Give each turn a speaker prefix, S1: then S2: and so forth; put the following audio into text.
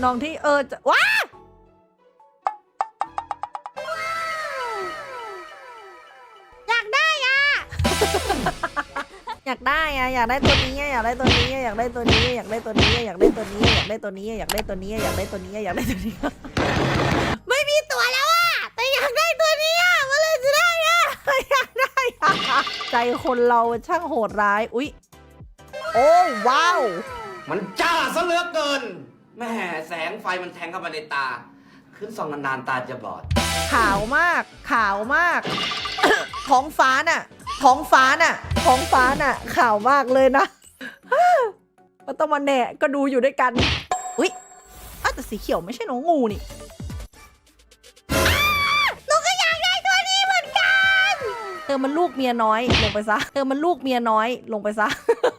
S1: น้องที่จะว้าอยากได้อะ อยากได้อะอยากได้ตัวนี้อยากได้ตัวนี้อยากได้ตัวนี้อยากได้ตัวนี้อยากได้ตัวนี้อยากได้ตัวนี้อยากได้ตัวนี้อยากได้ตัวนี้อยากได้ตัวนี้ไม่มีตัวแล้วอะแต่อยากได้ตัวนี้อะเมื่อไรจะได้อะอยากได้อะใจคนเราช่างโหดร้ายอุ๊ยโอ้ว้าว
S2: มันจ้าซะเหลือเกินแม่แสงไฟมันแทงเข้ามาในตา ขึ้นส่องนานๆตาจะบอด
S1: ขาวมากขาวมาก ท้องฟ้าน่ะท้องฟ้าน่ะท้องฟ้าน่ะขาวมากเลยนะ มันต้องมาแหนะก็ดูอยู่ด้วยกันอุ๊ยแต่สีเขียวไม่ใช่น้องงูนี่หนูก็อยากได้ตัวนี้เหมือนกันเธอมันลูกเมียน้อยลงไปซะเธอมันลูกเมียน้อยลงไปซะ